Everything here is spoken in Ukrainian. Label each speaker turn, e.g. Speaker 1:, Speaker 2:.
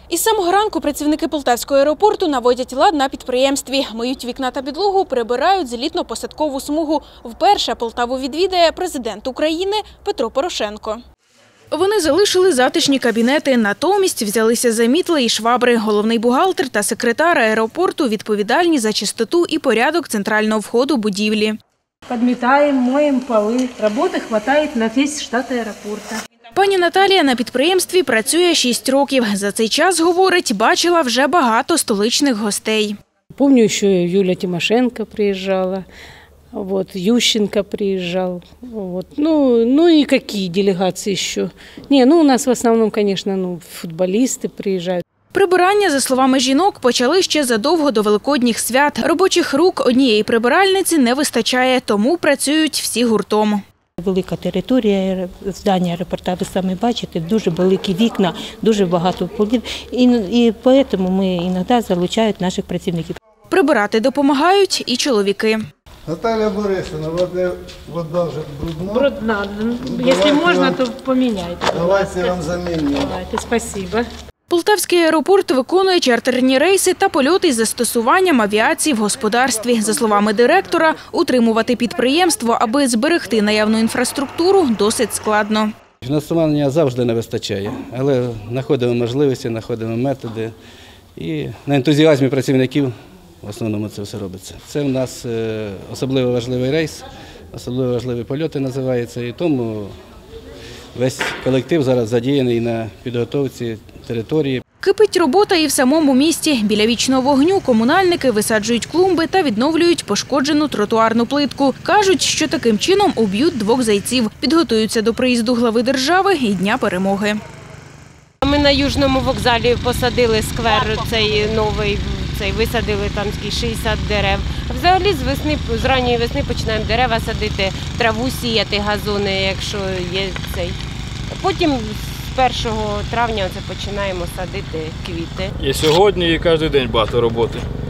Speaker 1: Із самого ранку працівники Полтавського аеропорту наводять лад на підприємстві. Миють вікна та підлогу, прибирають злітно-посадкову смугу. Вперше Полтаву відвідає президент України Петро Порошенко. Вони залишили затишні кабінети, натомість взялися за мітли і швабри. Головний бухгалтер та секретар аеропорту відповідальні за чистоту і порядок центрального входу будівлі.
Speaker 2: Подметаем, моем полы. Работы хватает на весь штат аеропорта.
Speaker 1: Пані Наталія на підприємстві працює 6 років. За цей час, говорить, бачила вже багато столичних гостей.
Speaker 2: Помню, еще Юлия Тимошенко приезжала, Ющенко приезжал. Ну и какие делегации еще. У нас в основном, конечно, футболисты приезжают.
Speaker 1: Прибирання, за словами жінок, почали ще задовго до великодніх свят. Робочих рук однієї прибиральниці не вистачає, тому працюють всі гуртом.
Speaker 3: Велика територія здання аеропорту, ви самі бачите, дуже великі вікна, дуже багато полів. І тому ми іноді залучають наших працівників.
Speaker 1: Прибирати допомагають і чоловіки.
Speaker 4: Наталья Борисовна, вода вже брудна.
Speaker 2: Брудна. Якщо можна, то поміняйте.
Speaker 4: Давайте я вам заміню.
Speaker 2: Давайте, спасибо.
Speaker 1: Полтавський аеропорт виконує чартерні рейси та польоти із застосуванням авіації в господарстві. За словами директора, утримувати підприємство, аби зберегти наявну інфраструктуру, досить складно.
Speaker 5: Фінансування завжди не вистачає, але знаходимо можливості, знаходимо методи. І на ентузіазмі працівників в основному це все робиться. Це в нас особливо важливий рейс, особливо важливі польоти називаються. І тому весь колектив зараз задіяний на підготовці території.
Speaker 1: Кипить робота і в самому місті. Біля вічного вогню комунальники висаджують клумби та відновлюють пошкоджену тротуарну плитку. Кажуть, що таким чином уб'ють 2 зайців. Підготуються до приїзду глави держави і Дня перемоги.
Speaker 6: Ми на Южному вокзалі посадили сквер цей новий, висадили там 60 дерев. Взагалі з ранньої весни починаємо дерева садити, траву сіяти, газони, якщо є цей. Потім з 1 травня починаємо садити квіти.
Speaker 7: І сьогодні, і кожен день багато роботи.